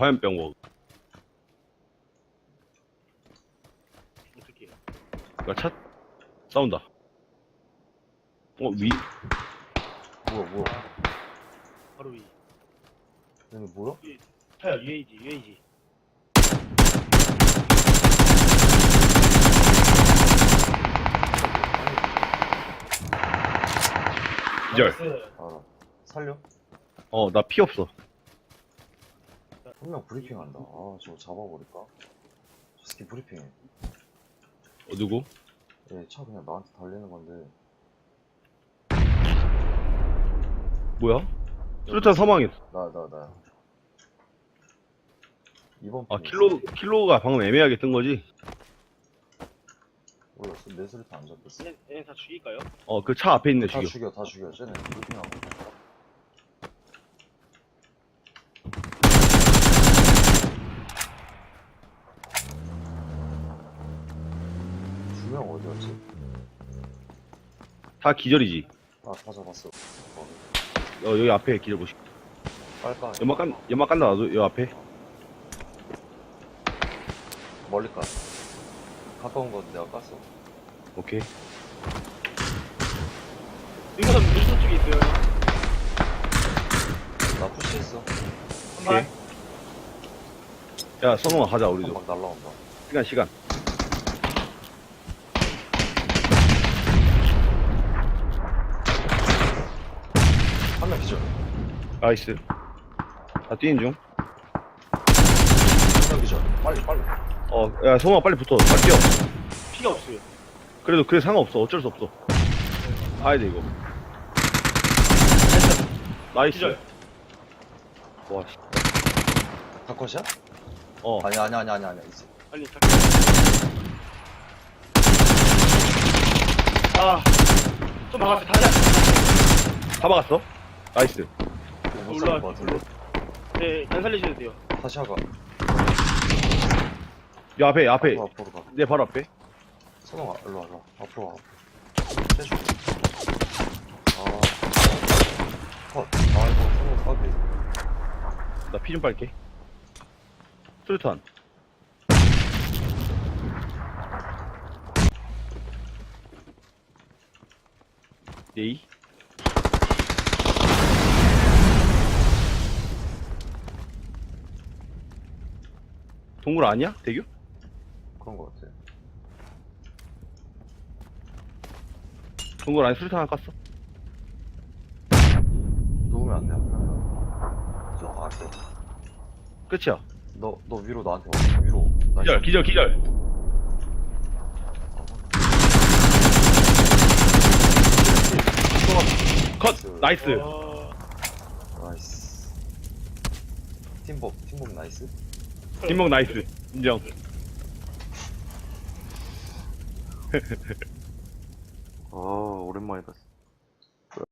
화염병 먹. 어떻게? 야, 차 싸운다. 위. 뭐야. 바로 위. 얘네 뭐야? 차야 UAG. 기절. 알아. 살려? 나 피 없어. 한 명 브리핑한다. 아, 저거 잡아버릴까? 저 새끼 브리핑해. 누구? 얘 차 그냥 나한테 달리는 건데. 뭐야? 수류탄 사망했어. 나야. 이번 아, 핑. 킬로가 방금 애매하게 뜬 거지? 몰라, 내 수류탄 안 잡혔어. 얘네 다 죽일까요? 그 차 앞에 있네, 다 지금. 다 죽여. 쟤네 브리핑하고. 두 명 어디였지? 다 기절이지. 아, 다 잡았어. 여기 앞에 기절 보시. 빨까. 연막 깐다, 나도, 여기 앞에. 멀리 까. 가까운 건 내가 깠어. 오케이. 이거는 물소 쪽에 있어요. 나 푸시했어. 한 발. 야, 선홍아, 가자, 우리도. 막 날라온다. 시간. 한 명 기절. 나이스. 다 뛰는 중. 한 명 기절. 빨리. 야, 성우아, 빨리 붙어. 다 뛰어. 피가 없어요. 그래도 그래 상관없어. 어쩔 수 없어. 가야 돼, 이거. 나이스. 기절. 와, 씨. 다 컷이야? 어. 아니야. 있어. 빨리 자. 아, 좀 막았어. 다시. 다 막았어? 나이스. 이거 못 올라와. 살릴 것 같은데. 네, 안 살리셔도 돼요. 다시 하가. 야, 앞에. 앞으로 가. 내 바로 앞에. 선홍아, 일로 와. 앞으로 와. 해줘. 컷. 이거 선홍 까비. 나 피 좀 빨게. 수류탄. 예이. 동굴 아니야? 대교? 그런 거 같아. 동굴 안에 수류탄 하나 깠어. 누우면 안 돼. 저 앞에. 끝이야. 너 위로 나한테 와. 위로. 나 기절. 컷! 나이스. 나이스. 팀복 나이스. 뒷목 나이스. 인정. 오랜만이다.